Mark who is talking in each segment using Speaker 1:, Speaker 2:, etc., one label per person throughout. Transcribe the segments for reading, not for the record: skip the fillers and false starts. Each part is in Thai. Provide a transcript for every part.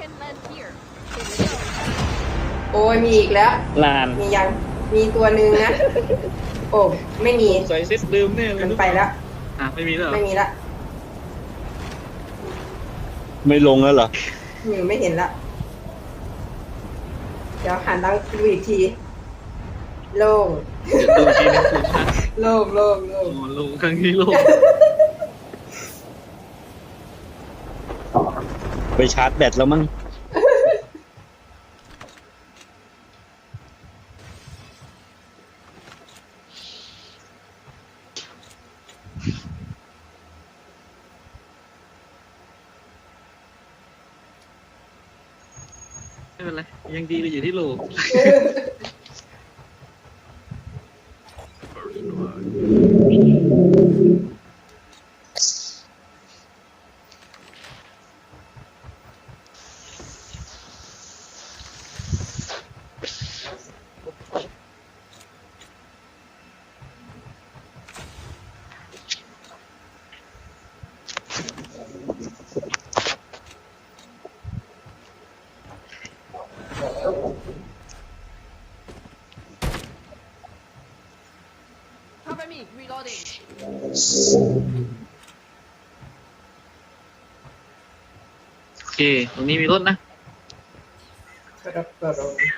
Speaker 1: โอ้ยมีอีกแล้ว
Speaker 2: ลาน
Speaker 1: มียังมีตัวหนึ่งนะ โอ้ไม่มี
Speaker 2: ใส่เซตเดิมแน่เลย
Speaker 1: มันไปแล้ว
Speaker 2: ไม่มีแล้วเหรอ
Speaker 1: ไม่มีละ
Speaker 3: ไม่ลงแล้วเหรอ
Speaker 1: ไม่เห็นละเดี๋ยวหันหลังดูอีกที โล่ง
Speaker 2: เดี๋ยวดูทีนึงคุณนะ
Speaker 1: โล่งโล่งโล่ง
Speaker 2: โอ้ลงครั้งนี้ลง
Speaker 3: ไปชาร์จแบตแล้วมั้ง
Speaker 2: ไม่เป็นไรยังดีกว่าอยู่ที่โลก
Speaker 4: Cover me, reloading.
Speaker 2: โอเคตรงนี้มีรถนะ
Speaker 1: ครับผม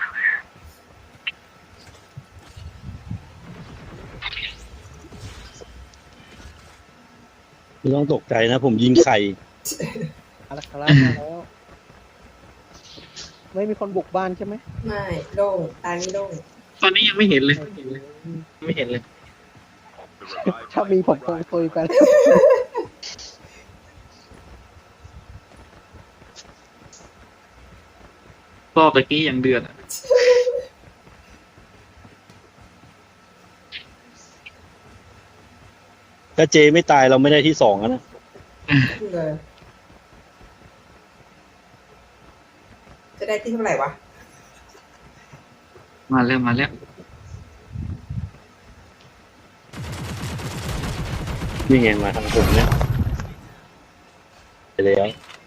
Speaker 3: ไม่ต้องตกใจนะ ผมยิงไข่
Speaker 5: มาแล้วครับมาแล้ว ไม่มีคนบุกบ้านใช่ไหม
Speaker 1: ไม่โล่งตานี้โล่ง
Speaker 2: ตอนนี้ยังไม่เห็นเลย ไม่เห็นเลย
Speaker 5: ถ้ามีผมคงคุยกัน
Speaker 2: รอบตะกี้ยังเดือดอะ
Speaker 3: ถ้าเจไม่ตายเราไม่ได้ที่สองอะนะ
Speaker 1: เลยจะได้ที่เท่าไหร่วะ
Speaker 2: มาแล้วมาแล้ว
Speaker 3: นี่ไงมาทางผมเนี่ยไปแล้ว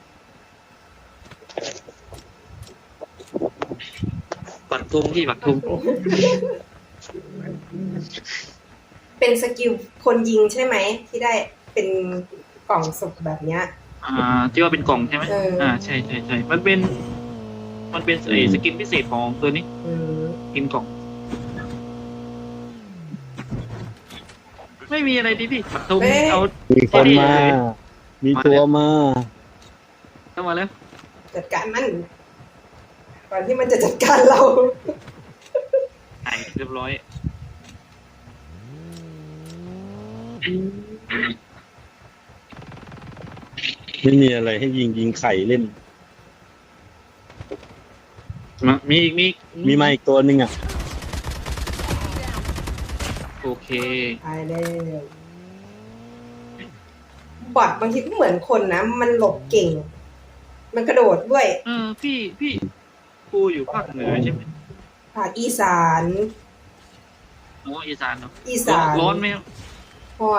Speaker 2: ปัดทุงที่ปัดทุง
Speaker 1: เป็นสกิลคนยิงใช่ไหม ที่ได้เป็นกล่องศพแบบเนี้ย
Speaker 2: ที่ว่าเป็นกล่องใช่ไหม ใช่ใช่ใช่มันเป็นสกินพิเศษของตัวนี้
Speaker 1: อืม
Speaker 2: กินกล่อง ไม่มีอะไรดิพี่ปัดทุงเอา
Speaker 3: มีคนมา มีตัวมา
Speaker 2: เข้ามาแล้ว
Speaker 1: จัดการมันก่อนที่มันจะจัดการเรา
Speaker 2: หายเรียบร้อย
Speaker 3: ไม่มีอะไรให้ยิงไข่เล่น
Speaker 2: มีอีก
Speaker 3: มีมาอีกตัวหนึ่งอ่ะ
Speaker 2: โอเค
Speaker 1: ตายแล้วบอทบางทีก็เหมือนคนนะ มันหลบเก่ง มันกระโดดด้วย
Speaker 2: พี่ปูอยู่ภาคเหนือใช่ไหม
Speaker 1: ภาคอีสาน
Speaker 2: อีสานเนาะ
Speaker 1: อีสาน
Speaker 2: ร้อนไหมครับ
Speaker 1: ห่อน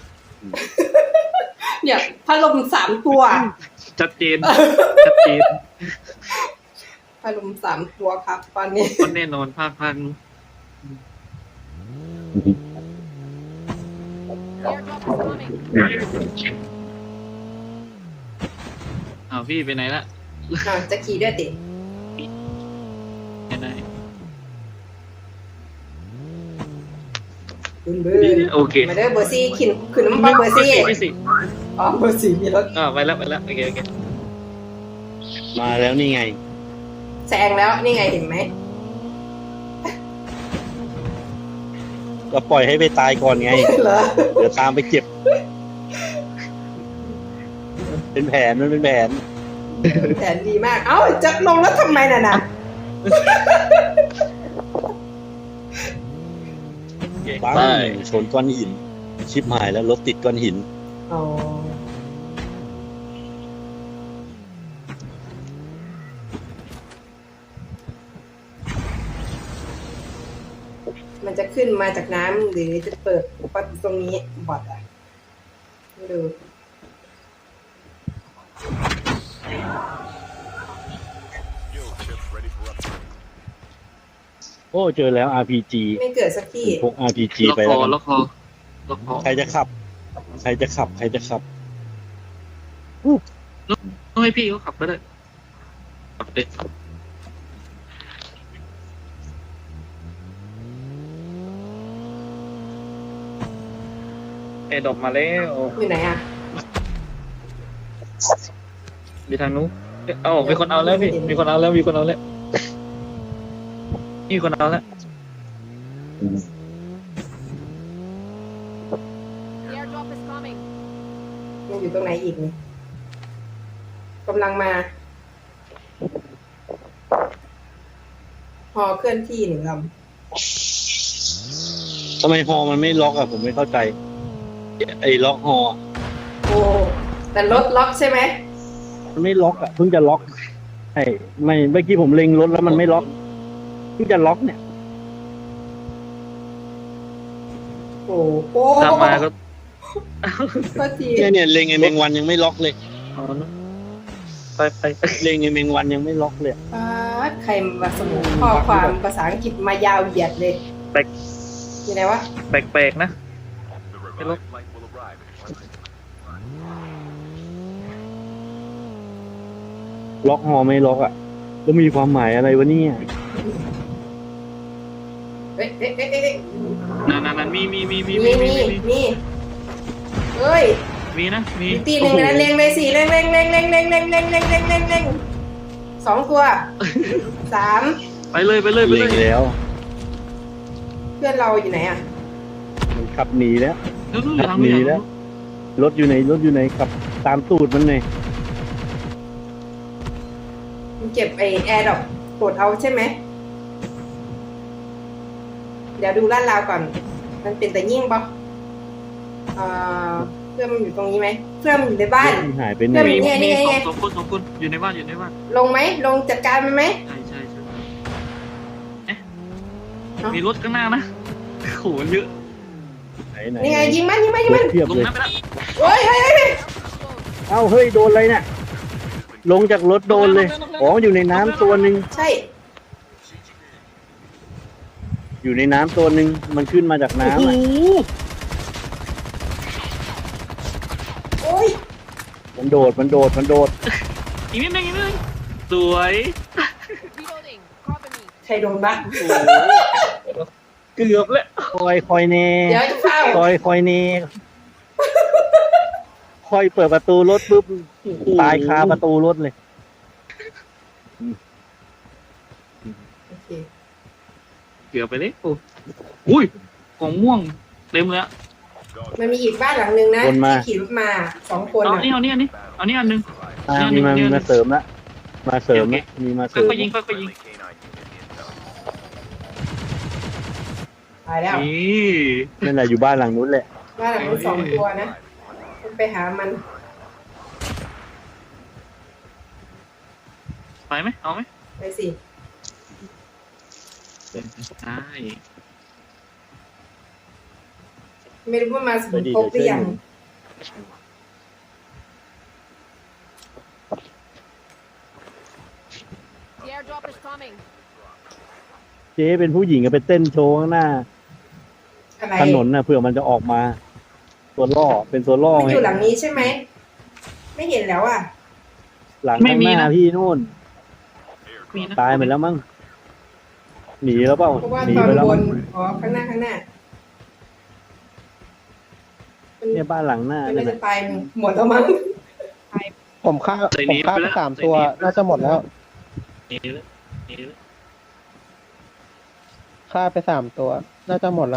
Speaker 1: เนี่ยพัดลม3 ตัว
Speaker 2: ชัดเจน ชัดเจน
Speaker 1: พัดลม3 ตัวครับ ตอนนี้
Speaker 2: ก็แน่นอนภาคนู้น
Speaker 4: Airdrop is coming.
Speaker 2: พี่ไปไหนละ
Speaker 1: จะขี่ด้วยติ
Speaker 2: ไปไหน
Speaker 1: เบอร์
Speaker 2: โอเค
Speaker 1: มาเด้อเบอร์ซี่ขึ้นน้ำมันเบอร์ซี่
Speaker 2: พี่สิ
Speaker 1: อ๋อเบอร์ซี่มีรถ
Speaker 2: ไปแล้วโอเค
Speaker 3: มาแล้วนี่ไง
Speaker 1: แซงแล้วนี่ไงเห็นไหม
Speaker 3: ก็ปล่อยให้ไปตายก่อนไง
Speaker 1: เหรอ
Speaker 3: เดี๋ยวตามไปเก็บ เป็นแผนมันเป็นแผน
Speaker 1: แผนดีมาก เอ้าจะลงแล้วทำไมน่ะนะ
Speaker 3: บ้างชนก้อนหิน ชิบหายแล้วรถติดก้อนหิน
Speaker 1: อ๋อมันจะขึ้นมาจากน้ำหรือจะเปิดประตูตรงนี้บอทอ่ะดู
Speaker 3: โอ้เจอแล้ว RPG
Speaker 1: ไม่เกิดสักที่
Speaker 3: พก RPG
Speaker 2: ล็อก
Speaker 3: ไป
Speaker 2: ค
Speaker 3: แล้
Speaker 2: อ
Speaker 3: วกัน
Speaker 2: ล็อกคอล็อกคอ
Speaker 3: ใครจะขับ ใครจะขับ ใครจะขับ
Speaker 2: ต้องให้พี่เขาขับก็ได้ขับเลยแอร์ดรอปมาแล้ว
Speaker 1: อยู่ไหนอ่ะ
Speaker 2: มีทางนู้นเอ้ามีคนเอาแล้วพี่มีคนเอาแล้วมีคนเอาแล้วมีคนเอาแล้ว
Speaker 4: The airdrop is coming.
Speaker 1: ยังอยู่ตรงไหนอีกนี่กำลังมาฮอเคลื่อนที่หนึ่งล
Speaker 3: ทำไมฮอมันไม่ล็อกอะผมไม่เข้าใจ ไอ้ล็อกฮอ
Speaker 1: ำโอ้แต่รถล็อกใช่ไหม
Speaker 3: มันไม่ล็อกอะเพิ่งจะล็อกไอ้ไม่เมื่อกี้ผมเล็งรถแล้วมันไม่ล็อกเพิ่งจะล็อกเนี่ย
Speaker 1: โอ้โห
Speaker 2: ตามมาก็
Speaker 1: ก็ที
Speaker 3: เนี่ยเล็งไอ้แมงวันยังไม่ล็อกเลย
Speaker 2: เอานะไป
Speaker 3: เล็งไอ้แมงวันยังไม่ล็อกเลย
Speaker 1: ป๊าดใครมาสมุนข้อความภาษาอังกฤษมายาวเหยียดเลย
Speaker 2: แปลก
Speaker 1: อยู่ไหนวะ
Speaker 2: แปลกๆนะ
Speaker 6: The revived flight will arrive in 1 minute.
Speaker 3: ล็อกฮอไม่ล็อกอะแล้วมีความหมายอะไรวะเนี่ย
Speaker 1: เอ๊ะเอ๊ะเอ๊ะเอ๊ะ
Speaker 2: นั่นมี
Speaker 1: มีเฮ้ย
Speaker 2: มีนะมี
Speaker 1: อีกตีหนึ่งนะเล็งเลยสี่เล็งสองตัวสาม
Speaker 2: ไปเลย
Speaker 3: เล็งแล้ว
Speaker 1: เพื่อนเราอยู่ไหนอ่ะ
Speaker 3: มันขับหนีแล้ว
Speaker 2: นู่น
Speaker 3: ขับหนีแล้ว รถอยู่ไหนขับตามตูดมันเลย
Speaker 1: มันเก็บไอแอร์ดอกกดเอาใช่ไหมเดี๋ยวดูลาดราวก่อน มันเป็นแต่ยิ่งปะเพื่อนมันอยู่ตรงนี้ไหมเพื่อนมันอยู่ในบ้าน
Speaker 3: มันหายไปไหน
Speaker 1: เพื่อน
Speaker 2: มี
Speaker 1: นี่ไง
Speaker 2: สองคนอยู่ในบ้าน
Speaker 1: ลงไหมลงจัดการมันไหม
Speaker 2: ใช่เอ๊ะ
Speaker 1: เอ้ามี
Speaker 2: มีรถข้างหน้านะโหเยอะ
Speaker 3: ไหน
Speaker 1: นี่ไงยิงมัน
Speaker 3: รถเทียบ
Speaker 2: ลง
Speaker 3: เลย
Speaker 2: น้ำไปแล้ว
Speaker 1: โอ้ย
Speaker 3: เอ้าเฮ้ยโดนอะไรเนี่ยลงจากรถโดนเลยอ๋ออยู่ในน้ำตัวหนึ่ง
Speaker 1: ใช่
Speaker 3: อยู่ในน้ำตัวหนึ่งมันขึ้นมาจากน้ำอะ
Speaker 1: โอ้ย
Speaker 3: มันโดด
Speaker 2: อีกนิดนึงสวย
Speaker 4: Reloading. Cover me.
Speaker 1: ใครโดนบ้าง
Speaker 2: เกือบแล้ว
Speaker 3: คอยเน่
Speaker 1: เดี๋ยวจะเฝ้า
Speaker 3: คอยเน่คอยเปิดประตูรถปุ๊บตายคาประตูรถเลย
Speaker 1: โอเค
Speaker 2: เกือบไปเลยอุ้ยกล่องม่วงเต็มเลยอะ
Speaker 1: มันมีอีกบ้านหลังนึงนะ
Speaker 3: คนมา
Speaker 1: ที่ขี่รถมาสองคน
Speaker 2: เอา
Speaker 1: อะ
Speaker 2: นี่อันนึง
Speaker 3: มีมาเสริมละมาเสริมละมีมาเสริม
Speaker 2: ค่อยๆยิง
Speaker 6: Friendly canine unit inbound.
Speaker 1: ตายแล้ว
Speaker 2: นี่
Speaker 3: นั่นแหละอยู่บ้านหลังนู้นแหละ
Speaker 1: บ้านหลังนู้นสองตัวนะไปหามัน
Speaker 2: ไปไหมเอาไหม
Speaker 1: ไปสิ
Speaker 2: ได้
Speaker 1: ไม่รู้ว่ามาสมุนครบหรือยัง
Speaker 4: The airdrop is coming.
Speaker 3: เจ๊เป็นผู้หญิงก็ไปเต้นโชว์ข้างหน้า
Speaker 1: อะไร
Speaker 3: ถนนน่ะเผื่อมันจะออกมา ตัวล่อเป็นตัวล่อ
Speaker 1: มัน
Speaker 3: ไง
Speaker 1: อยู่หลังนี้ใช่ไหม ไม่เห็นแล้วอ่ะ
Speaker 3: หลังข้างหน้าพี่นู่น
Speaker 2: มีนะ
Speaker 3: ตายไปแล้วมั้งหนีแล้วเปล่า
Speaker 1: เพราะว่า
Speaker 3: หนี
Speaker 1: ตอน
Speaker 3: ไปแล้ว
Speaker 1: บ
Speaker 3: มั้
Speaker 1: น
Speaker 3: ง
Speaker 1: อ๋อข้างหน้ามัน
Speaker 3: เนี่ยบ้านหลังหน้า
Speaker 1: มัน
Speaker 3: เนี่
Speaker 1: ไม่
Speaker 3: ย
Speaker 1: จะตายหมดแล้วมั้ง
Speaker 5: ผมฆ่าไปสามตัวน่าจะหมดแล้ว
Speaker 2: หนีแล้วหนีแล้ว
Speaker 5: ฆ่าไปสามตัว น่าจะหมดแล้ว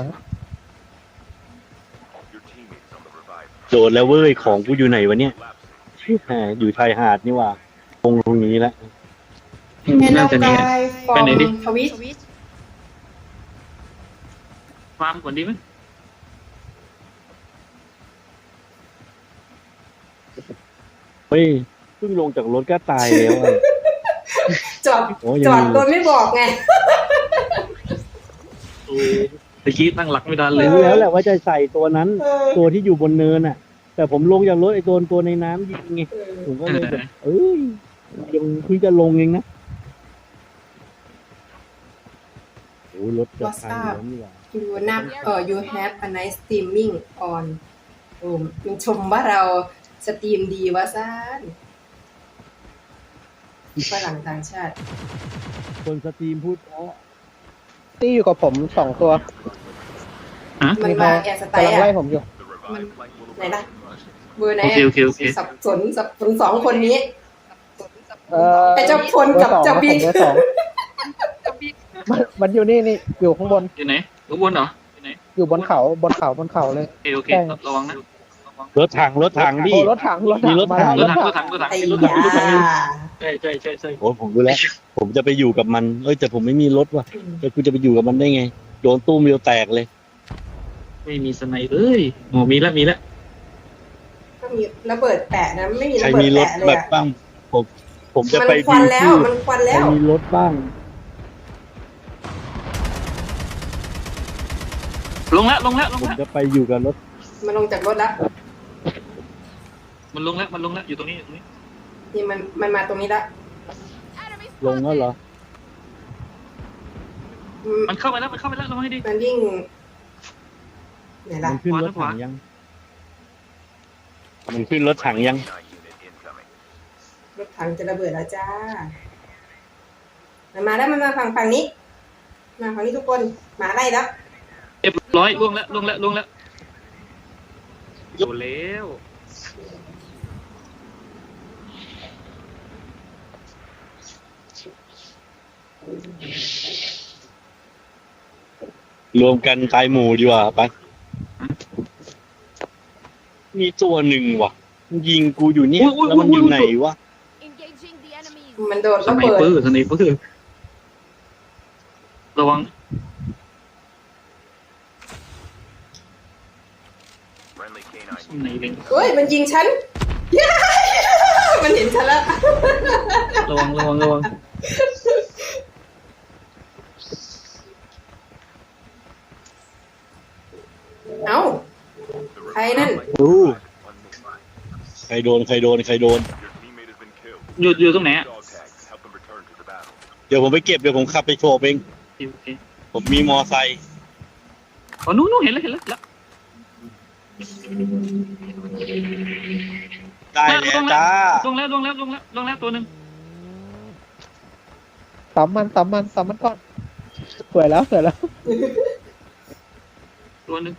Speaker 6: Your teammates on the revived
Speaker 3: โดดแล้วเว้ยของกูอยู่ไหนวะเนี่ย
Speaker 6: collapsing.
Speaker 3: แหมอยู่ชายหาดนี่หว่าตรงนี้แล้ว
Speaker 2: น่าจะนี่
Speaker 1: ฟอ
Speaker 2: ไป
Speaker 1: ร์
Speaker 2: ไหน
Speaker 1: ม
Speaker 2: ดิ
Speaker 1: ทวิต
Speaker 2: ฟาร์มก่อนดีไหม
Speaker 3: เฮ้ยเพิ่งลงจากรถก็ตายแล้วอะ
Speaker 1: จอด
Speaker 3: โอ้ยัง
Speaker 1: จอด
Speaker 3: มี
Speaker 1: โดยไม่บอกไง
Speaker 2: ตะกี้ตั้งหลักไม่ทันเลย
Speaker 3: รู้แล้วแหละว่าจะใส่ตัวนั้น
Speaker 1: เออ
Speaker 3: ตัวที่อยู่บนเนินน่ะ แต่ผมลงจากรถไอ้ตัวในน้ำยิงไง
Speaker 1: เออ
Speaker 3: ผมก็เลยแบบเอ้ยยังเพิ่งจะลงเองนะโอ้รถจะพังแล้วนี่หว่า
Speaker 1: you have a nice streaming on โอ้มันชมว่าเราสตรีมดีวะซ่านฝรั่งต่างชาติ
Speaker 3: คนสตรีมพูดเพราะ
Speaker 5: ตี้อยู่กับผม2 ตัว
Speaker 1: มันมาแอร์สไต
Speaker 5: กำลั
Speaker 1: ล์
Speaker 5: งไล่
Speaker 1: อ่ะ
Speaker 5: ผมอยู่
Speaker 6: The revived flight will
Speaker 1: ไหน
Speaker 6: arrive.
Speaker 1: ล่ะเบอร์ไหน
Speaker 2: โอเคโอเคโอเค
Speaker 1: สับสน2 คนนี้
Speaker 5: เอ่อ
Speaker 1: ไอ้เจ้าพลกับเจ้าบิ๊ก
Speaker 5: เบอร์สองมันอยู่นี่อยู่ข้างบน
Speaker 2: อยู่ไหนข้างบนเหรออยู่ไหน
Speaker 5: อยู่บนเขาเลย
Speaker 2: โอเคโอเค
Speaker 5: ใช่
Speaker 2: ระวังนะ
Speaker 3: รถถังดิ
Speaker 5: โอ้รถถัง
Speaker 3: มีรถถัง
Speaker 5: มาแล้ว
Speaker 2: รถถังรถถัง
Speaker 1: ไอ้
Speaker 2: รถถัง
Speaker 1: ยาร
Speaker 2: ถถังใช่ใช่ใช่ใช่
Speaker 3: โอ้ผมรู้แล้ว ผมจะไปอยู่กับมันแต่ผมไม่มีรถว่ะแล้วกูจะไปอยู่กับมันได้ไงโดนตู้มเดียวแตกเลย
Speaker 2: ไม่มีสไนเปอร์เลยอ๋อมีแล้ว
Speaker 1: ก็มีระเบิดแปะนะไม่มี
Speaker 3: ใคร
Speaker 1: ระเบิด
Speaker 3: มีรถ
Speaker 1: แปะเลย
Speaker 3: แบบ
Speaker 1: อ่ะ
Speaker 3: บ้างผมจะ
Speaker 1: มัน
Speaker 3: ไป
Speaker 1: ควัน
Speaker 3: ดิ
Speaker 1: แล้ว
Speaker 3: ชื่อ
Speaker 1: มันควัน
Speaker 3: ใคร
Speaker 1: แล้ว
Speaker 3: มีรถบ้าง
Speaker 2: ลงแล้ว
Speaker 3: ผมจะไปอยู่กับรถ
Speaker 1: มันลงจากรถแล้ว
Speaker 2: มันลงแล้วอยู่ตรงนี้
Speaker 1: นี่มันมาตรงนี้แล้ว
Speaker 4: Enemy
Speaker 3: ลงแล้วเหรอ
Speaker 2: มันเข้าไปแล้วระวังให้ดี
Speaker 1: มันวิ่งไหนล่ะ
Speaker 3: มันขึ้นรถถังยัง มันขึ้นรถถังยัง
Speaker 6: K9 unit incoming.
Speaker 1: รถถังจะระเบิดแล้วจ้ามันมาแล้วมันมาฝั่งนี้มาฝั่งนี้ทุกคนหมาไล่แล้ว
Speaker 2: เรียบร้อยล่วงแล้วอยู่แล้ว
Speaker 3: รวมกันตายหมู่ดีกว่าไปมีตัวหนึ่งว่ะมันยิงกูอยู่เนี่ยแล้วมันอยู่ไหนวะ
Speaker 4: engaging the enemies.
Speaker 1: มันโดน
Speaker 2: ส
Speaker 1: ระ
Speaker 2: ไน
Speaker 1: เบิด
Speaker 2: เปอร์ระวัง
Speaker 6: Friendly K9
Speaker 2: สไนเปอร์
Speaker 1: เฮ้ยมันยิงฉัน มันเห็นฉันแล้ว
Speaker 2: ระวัง
Speaker 1: เอ้า ใครนั่น
Speaker 3: อู้ ใครโดน
Speaker 6: Your teammate has been killed.
Speaker 2: อยู่ตรงไหนอ่ะ
Speaker 6: Dog tags help them return to the battle.
Speaker 3: เดี๋ยวผมไปเก็บเดี๋ยวผมขับไปโชว์เอง
Speaker 2: โอเค
Speaker 3: ผมมีมอไซค์
Speaker 2: อ๋อนู้นเห็นแล้ว
Speaker 3: ได้แล้วจ้า
Speaker 2: ลงแล้วตัวหนึ่ง
Speaker 5: ซ้ำมันก่อนสวยแล้ว
Speaker 2: ตัวหนึ่ง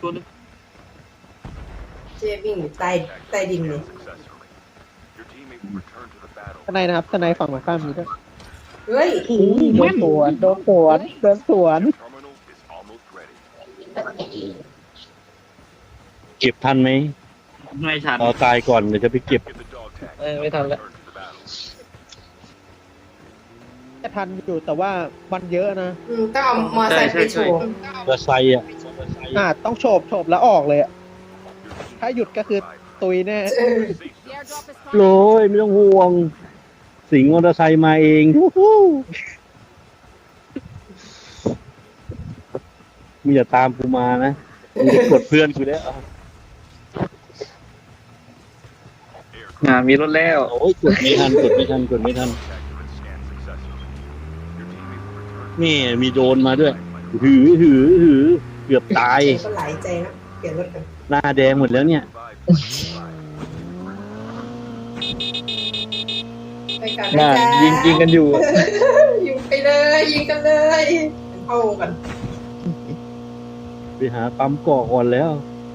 Speaker 1: เจวิ่งอยู่ใต้ดินเลย
Speaker 6: Successfully. Your teammate will return to the battle.
Speaker 5: ทนายนะครับทนายฝั่งมาข้ามมีด้วย
Speaker 1: เฮ้ย
Speaker 5: โดนสวน
Speaker 6: Terminal is almost ready.
Speaker 3: เก็บทันไหม
Speaker 2: ไม่ทัน
Speaker 3: เอาตายก่อนเดี๋ยวจะไปเก็บ
Speaker 6: Give the dog tags.
Speaker 2: ไม่ทันแล้ว
Speaker 6: Return to the battle.
Speaker 5: จะทันอยู่แต่ว่ามันเยอะนะ
Speaker 1: ต้องเอามอไซค์ไปโชว์
Speaker 3: มอไซค์อ่ะ
Speaker 5: ต้องโฉบแล้วออกเลยอะถ้าหยุดก็คือตุยแน่
Speaker 1: เออ
Speaker 4: The airdrop is
Speaker 3: โร
Speaker 4: coming.
Speaker 3: ยไม่ต้องห่วง สิงห์มอเตอร์ไซค์มาเองฮู้ฮู้มึงอย่าตามกูมานะมึงจะกดเพื่อนกูแล้ว
Speaker 2: มีรถแล้ว
Speaker 3: โอ้ยกดไม่ทัน
Speaker 6: Accurate scan successfully. Your teammate will return.
Speaker 3: นี่มีโดรนมาด้วย หือเกือบตาย
Speaker 1: เจก็หลายใจนะเปลี่ยนรถกัน
Speaker 3: หน้าแดงหมดแล้วเนี่ย
Speaker 6: Revive flight will arrive.
Speaker 1: ไปกันนะจ๊ะ
Speaker 2: ยิงกันอยู่
Speaker 1: ยิงไปเลยยิงกันเลยเข้าวงกัน
Speaker 3: ไปหาปั๊มก่อก่อนแล้ว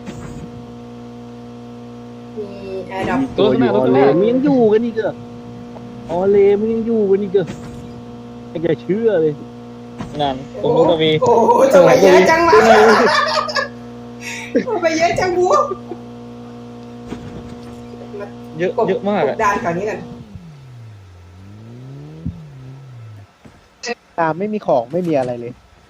Speaker 1: มีแอร์ดรอป
Speaker 3: มีตัวอยู่ออเลมึงยังอยู่กันอีกเหรอออเลมึงยังอยู่กันอีกเหรอไม่จะเชื่อเลย
Speaker 2: นั่นตรงนู้นก็มี
Speaker 1: โอ้โหทำไมเยอะจังวะทำไมเยอะจังบัว
Speaker 2: เยอะมาก
Speaker 1: กบดานแถวนี้กัน
Speaker 5: ตามไม่มีของไม่มีอะไรเลย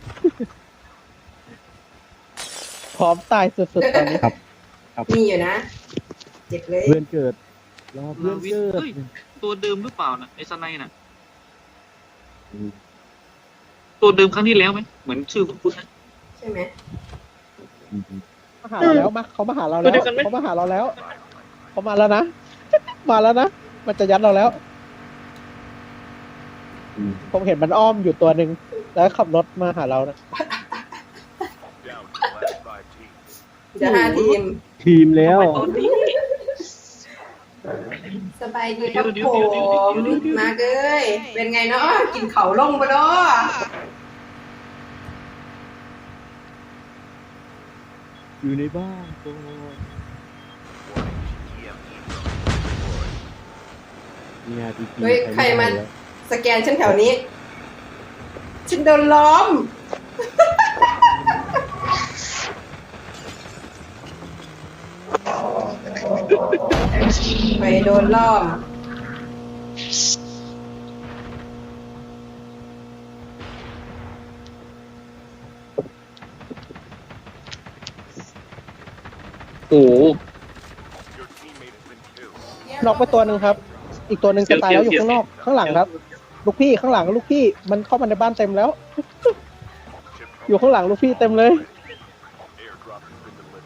Speaker 5: พร้อมตายสุดๆตอนนี้
Speaker 1: มีอยู่นะ เจ็บเลย
Speaker 3: เพื่อนเกิดรอเพื่อนเกิด
Speaker 2: ตัวเดิมหรือเปล่านะไอ้สไนน่ะ ตัวเดิมครั้งที่แล้วไหมเหมือนชื่อคุณนะ
Speaker 1: ใช่ไหม
Speaker 5: มาหาเราแล้วเขามาหาเราแล้ว
Speaker 2: ตัวเดียวกันไหม
Speaker 5: เขามาหาเราแล้วเขามาแล้วนะ มาแล้วนะมันจะยัดเราแล้ว ผมเห็นมันอ้อมอยู่ตัวหนึ่งแล้วขับรถมาหาเรานะ
Speaker 1: เจะ5 ทีม
Speaker 3: ทีมแล้ว
Speaker 2: ตอนนี้
Speaker 1: สบายดีครับผมมาเกยเป็นไงเนาะกินเขาลงบ่เนาะ
Speaker 3: อยู่ในบ้านตัว เนี่ยจริงๆ
Speaker 1: เฮ้ยใครมาสแกนฉันแถวนี้ ฉันโดนล้อม ไปโดนล้อม
Speaker 2: โอ้โห
Speaker 6: Your teammate has been killed.
Speaker 5: น็อกไปตัวหนึ่งครับ อีกตัวหนึ่งจะตายแล้วอยู่ข้างนอกข้างหลังครับ ลูกพี่ข้างหลังลูกพี่มันเข้ามาในบ้านเต็มแล้ว
Speaker 6: Chip
Speaker 5: อยู่ข้างหลังลูกพี่เต็มเลย
Speaker 6: airdrop has been delivered.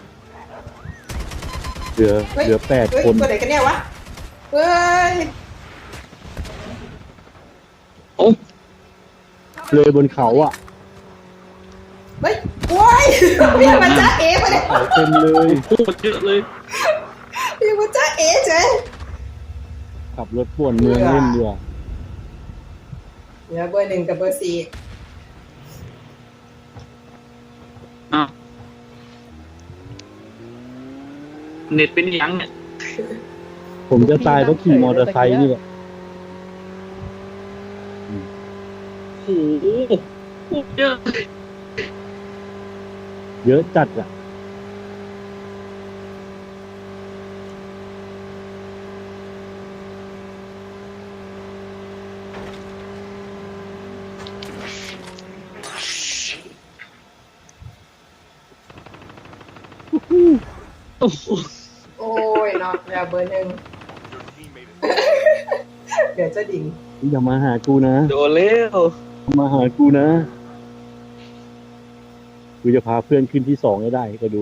Speaker 3: เหลือ
Speaker 1: เฮ้ย
Speaker 3: เหลือแปด
Speaker 1: เฮ้ย
Speaker 3: คน
Speaker 1: ตัวไหนกันเนี่ยวะ เฮ้ย
Speaker 2: โอ้
Speaker 3: เลยบนเขาอ่ะ
Speaker 1: เฮ้ยโว้ยพี่มาจ้าเอ๋มาเนี่ย
Speaker 3: เขาเต็มเลย
Speaker 2: โคตรเยอะเลย
Speaker 1: พี่มาจ้าเอ๋เฉย
Speaker 3: ขับรถป่วนเมืองเล่นดีกว่า
Speaker 1: เหลือเบอร์ 1กับเบอร์ 4
Speaker 2: อ้าวเน็ตเป็นยังเนี่ย
Speaker 3: ผมจะตายเพราะขี่มอเตอร์ไซค์นี่แหละ
Speaker 2: โอ้โหโคตรเยอะ
Speaker 3: เยอะจัดอ่ะ
Speaker 2: โอ้โห
Speaker 1: โอ้ยเนาะเหลือเบอร์ 1
Speaker 6: Your teammate has
Speaker 1: เดี๋ยวจะดิ่ง
Speaker 3: อย่ามาหากูนะ
Speaker 2: โดนแล้ว
Speaker 3: อย่ามาหากูนะ กูจะพาเพื่อนขึ้นที่ 2ให้ได้ก็ดู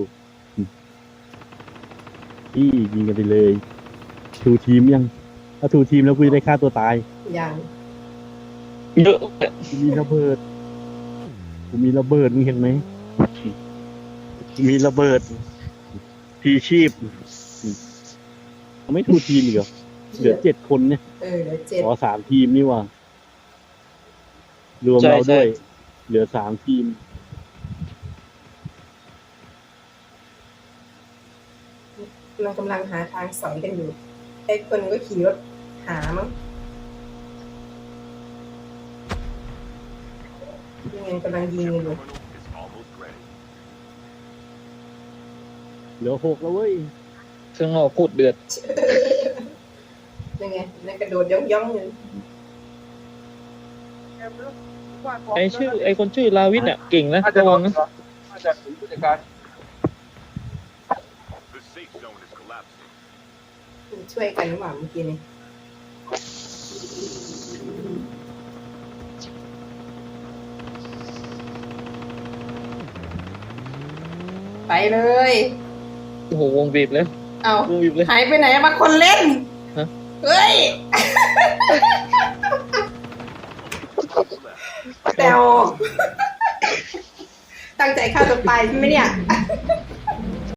Speaker 3: ที่ยิงกันไปเลยทูทีมยัง ถ้าทูทีมแล้วกูจะได้ฆ่าตัวตาย
Speaker 1: อย่าง
Speaker 2: เยอะ
Speaker 3: กูมีระเบิด กูมีระเบิดมึงเห็นไหมกูมีระเบิด ทีชีพไม่ทูทีมอีกเหรอเหลือ7 คนเนี่ย
Speaker 1: เหลือ7
Speaker 3: อ๋อ3 ทีมนี่ว่ะรวมเราด้วย เหลือ3 ทีม
Speaker 1: เรากำลังหาทางสอยกันอยู่ไอ้คนก็ขี่รถหามั้งยังไงกำลังยิงกันอยู่
Speaker 6: terminal is almost ready.
Speaker 3: เหลือ6แล้วเว้ย
Speaker 2: เครื่องนอกโคตรเดือด
Speaker 1: ยังไงนั่นกระโดดย่องๆเลย
Speaker 2: ไอคนชื่อลาวินอ่ะ เก่งนะระวังนะ
Speaker 6: The safe zone is collapsing.
Speaker 1: ช่วยกันหรือเปล่าเมื่อกี้นี้ไปเลย
Speaker 2: โอ้โหวงบีบเลย
Speaker 1: เอา
Speaker 2: วงบีบเลย
Speaker 1: หายไปไหนบางคนเล่น
Speaker 2: ฮะ
Speaker 1: เฮ้ยแตวตั้งใจฆ่าตัวตายใช่ไหมเนี่ย